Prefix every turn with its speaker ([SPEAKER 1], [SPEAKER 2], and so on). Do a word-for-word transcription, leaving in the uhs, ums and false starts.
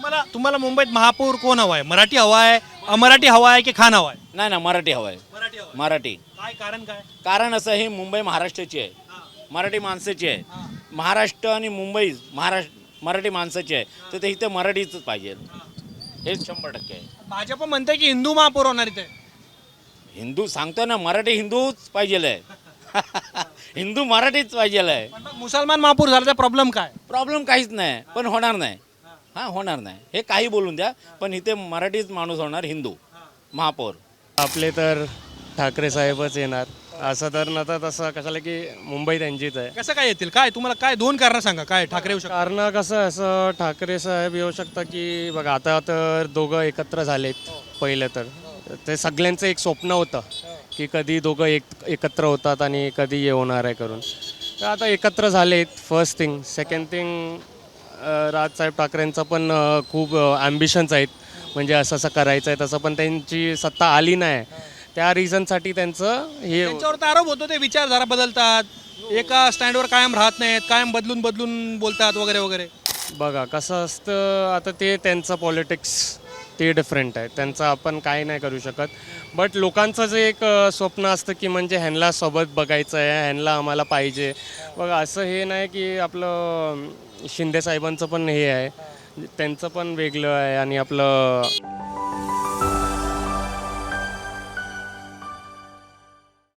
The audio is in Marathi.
[SPEAKER 1] तुम्हाला तुम्हाला मुंबईत महापौर कोण हवा आहे? मराठी हवा आहे, अमराठी हवा आहे की खान हवा आहे?
[SPEAKER 2] नाही ना, मराठी हवं आहे.
[SPEAKER 1] मराठी हवा
[SPEAKER 2] मराठी.
[SPEAKER 1] काय कारण काय?
[SPEAKER 2] कारण असं ही मुंबई महाराष्ट्राची आहे, मराठी माणसाची आहे. महाराष्ट्र आणि मुंबई महाराष्ट्र मराठी माणसाची आहे, तर ते इथे मराठीच पाहिजे. हे शंभर टक्के आहे.
[SPEAKER 1] भाजप म्हणते की हिंदू महापौर होणार इथे.
[SPEAKER 2] हिंदू सांगतो ना, मराठी हिंदूच पाहिजे आहे. हिंदू मराठीच पाहिजे आहे.
[SPEAKER 1] पण मग मुसलमान महापौर झाल्याचा प्रॉब्लेम काय?
[SPEAKER 2] प्रॉब्लेम काहीच नाही, पण होणार नाही. हां, होणार नाही. हे काही बोलून द्या, पण इथे मराठीच माणूस होणार, हिंदू महापौर.
[SPEAKER 3] आपले तर ठाकरे साहेबच येणार. असं तर नव्हतं तसं कशाला की मुंबई त्यांचीच आहे.
[SPEAKER 1] कसं काय येतील? काय तुम्हाला काय दोन कारण सांगा, काय ठाकरे येऊ शकतात?
[SPEAKER 3] कारण कसं आहे, असं ठाकरे साहेब येऊ शकतं की बघा आता तर दोघं एकत्र झालेत. पहिलं तर ते सगळ्यांचं एक स्वप्न होतं की कधी दोघं एक एकत्र होतात आणि कधी हे होणार आहे करून. तर आता एकत्र झालेत, first thing. Second thing, Rajsaheb ठाकरेंचं पण अ, खूप ॲम्बिशन्स आहेत, म्हणजे असं असं करायचं आहे तसं, पण त्यांची सत्ता आली नाही. त्या रिझनसाठी त्यांचं हे
[SPEAKER 1] त्यांच्यावर तर आरोप होतो ते विचारधारा बदलतात, एका स्टँडवर कायम राहत नाहीत, कायम बदलून बदलून बोलतात वगैरे वगैरे.
[SPEAKER 3] बघा कसं असतं, आता ते त्यांचं पॉलिटिक्स ते डिफरंट आहे, त्यांचं आपण काय नाही करू शकत. बट लोकांचं जे एक अ, स्वप्न असतं की म्हणजे ह्यांना सोबत बघायचं आहे, ह्यांना आम्हाला पाहिजे. बघा असं हे नाही की आपलं शिंदे साहेबांचं पण हे आहे, त्यांचं पण वेगळं आहे आणि आपलं